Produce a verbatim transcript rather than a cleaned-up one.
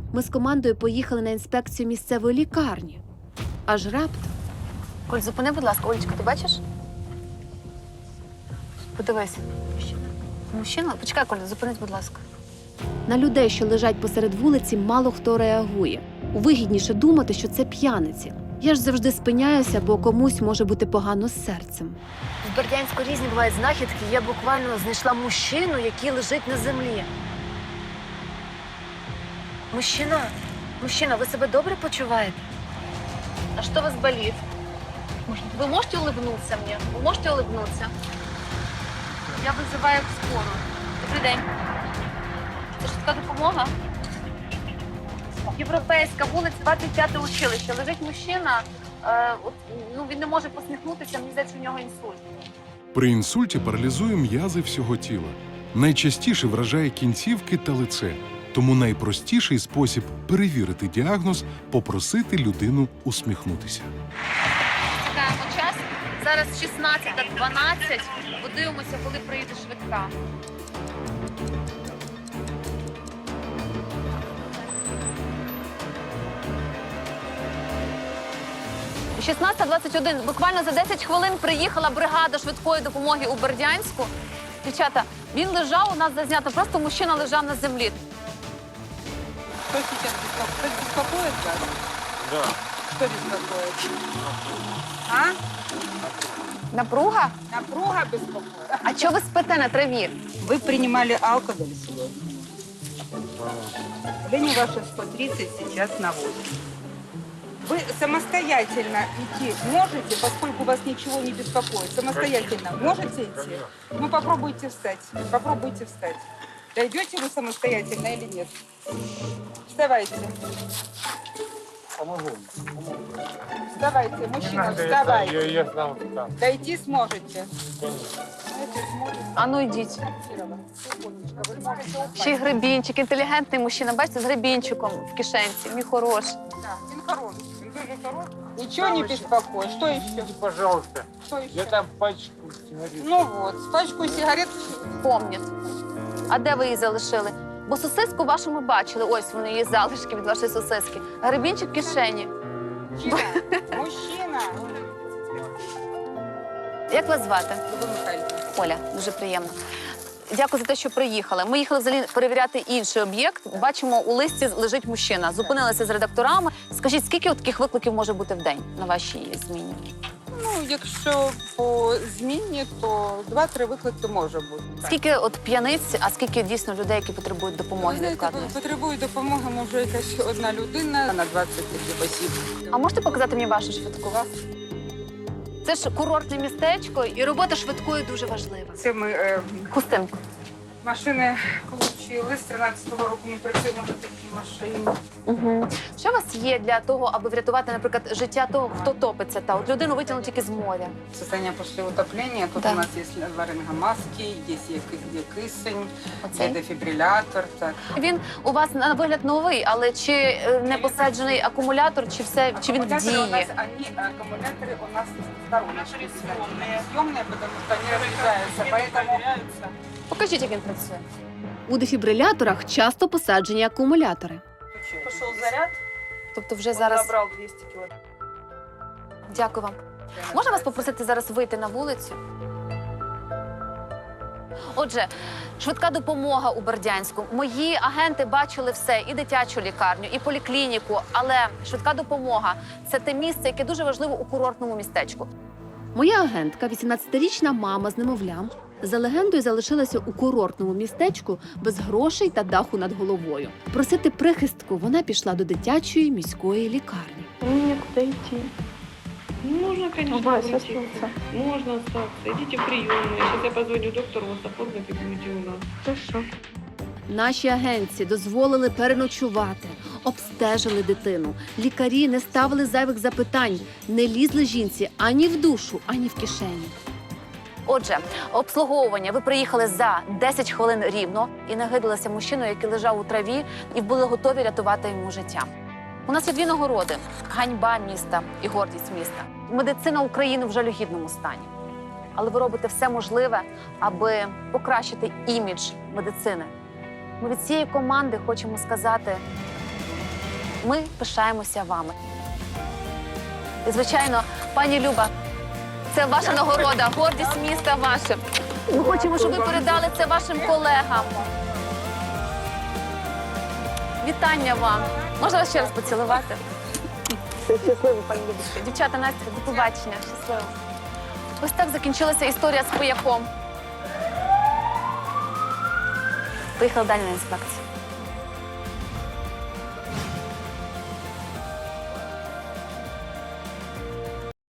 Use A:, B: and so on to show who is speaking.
A: Ми з командою поїхали на інспекцію місцевої лікарні. Аж раптом.
B: Коль, зупини, будь ласка. Олечка, ти бачиш? Подивись. Мужчина. Мужчина? Почекай, Коля, зупинись, будь ласка.
A: На людей, що лежать посеред вулиці, мало хто реагує. Вигідніше думати, що це п'яниці. Я ж завжди спиняюся, бо комусь може бути погано з серцем.
B: В Бердянську різні бувають знахідки. Я буквально знайшла мужчину, який лежить на землі. Мужчина, мужчина, ви себе добре почуваєте? А що у вас болит? Вы можете улыбнуться мне? Вы можете улыбнуться? Я визиваю скору. Добрий день. Це швидка допомога? Європейська, вулиця, двадцять п'яте училище. Лежить мужчина, е, от, ну, він не може посміхнутися, мені здається, у нього інсульт.
C: При інсульті паралізує м'язи всього тіла. Найчастіше вражає кінцівки та лице. Тому найпростіший спосіб перевірити діагноз – попросити людину усміхнутися.
B: Чекаємо час. Зараз шістнадцята дванадцять. Подивимося, коли приїде швидка. шістнадцята двадцять один. Буквально за десять хвилин приїхала бригада швидкої допомоги у Бердянську. Дівчата, він лежав, у нас зазнято, просто мужчина лежав на землі.
D: Что сейчас беспокоит? Кто беспокоит вас?
E: Да.
D: Что беспокоит? А?
B: Напруга?
D: Напруга беспокоит.
B: А чого ви спите на траві?
D: Вы принимали алкоголь сегодня? Давление ваше сто тридцать, сейчас на восемь. Вы самостоятельно идти можете, поскольку вас ничего не беспокоит? Самостоятельно можете идти? Ну, попробуйте встать. Попробуйте встать. Дойдете вы самостоятельно или нет? Вставайте.
E: Помогу.
D: Вставайте, мужчина, вставайте.
E: Я, я сам там.
D: Дойти сможете? Знаете, сможете.
B: А ну йдіть.
D: Секундочку, вы можете упасть.
B: Ще й гребінчик, інтелігентний мужчина. Бачите, з гребінчиком в кишенці. Мій хороший.
D: Да, он хороший, он тоже хороший. Ничего не беспокоит. Что еще?
E: Пожалуйста.
D: Что еще?
E: Я там пачку сигарет.
D: Ну вот, пачку сигарет.
B: Помнять. А де ви її залишили? Бо сосиску вашу ми бачили. Ось вони, її залишки від вашої сосиски. Гребінчик в кишені.
D: Мужчина. Мужчина.
B: Як вас звати?
D: Люба Михайлівна.
B: Оля, дуже приємно. Дякую за те, що приїхали. Ми їхали взагалі перевіряти інший об'єкт. Бачимо, у листі лежить мужчина. Зупинилися з редакторами. Скажіть, скільки от таких викликів може бути в день на вашій зміні?
D: Ну, якщо по зміні, то два-три виклики може бути.
B: Скільки от п'яниць, а скільки дійсно людей, які потребують допомоги
D: Ви знаєте,
B: невідкладної?
D: потребує допомоги, може, якась одна людина на двадцять таких осіб.
B: А можете показати мені вашу швидку? Це ж курортне містечко, і робота швидкої дуже важлива.
D: Це ми е,
B: Хустинку.
D: машини отримали. З тринадцятого року ми працюємо на такій машині.
B: Угу. Що у вас є для того, аби врятувати, наприклад, життя того, хто топиться? Та от людину витягнуть тільки з моря.
D: Состояние после утопления. Тут
B: Да.
D: у нас есть ларингомаски, есть є кисень,
B: Оцей?
D: є дефібрилятор. Так.
B: Він у вас на вигляд новий, але чи е, не посаджений акумулятор, чи все, чи він в
D: Аккумуляторы у нас,
B: дії?
D: они, аккумуляторы у нас стороночки. Съемные. Съемные, потому что они разряжаются, поэтому...
B: Покажіть, як він працює.
A: У дефібриляторах часто посаджені акумулятори.
D: Пошел заряд,
B: Тобто вже зараз...
D: забрал двести кило.
B: Дякую вам. Можна вас попросити зараз вийти на вулицю? Отже, швидка допомога у Бердянську. Мої агенти бачили все, і дитячу лікарню, і поліклініку, але швидка допомога – це те місце, яке дуже важливо у курортному містечку.
A: Моя агентка, вісімнадцятирічна мама з немовлям, за легендою залишилася у курортному містечку без грошей та даху над головою. Просити прихистку вона пішла до дитячої міської лікарні.
F: Мне некуда идти. Ну, можно, конечно,
B: Вася,
F: уйти.
B: остаться.
F: Можно остаться. Идите в приемную. Сейчас я позвоню доктору, вас оформят и будете у нас.
B: Хорошо.
A: Наші агентці дозволили переночувати, обстежили дитину. Лікарі не ставили зайвих запитань, не лізли жінці ані в душу, ані в кишені.
B: Отже, обслуговування. Ви приїхали за десять хвилин рівно і нагидалися мужчиною, який лежав у траві, і були готові рятувати йому життя. У нас є дві нагороди – ганьба міста і гордість міста. Медицина України в жалюгідному стані. Але ви робите все можливе, аби покращити імідж медицини. Ми від цієї команди хочемо сказати Ми пишаємося вами. І, звичайно, пані Люба, це ваша нагорода, гордість міста ваша. Ми хочемо, щоб ви передали це вашим колегам. Вітання вам. Можна вас ще раз поцілувати? Щасливо, пані Любочка. Дівчата, Настя, до побачення. Щасливо. Ось так закінчилася історія з пияком. Поїхали далі на інспекцію.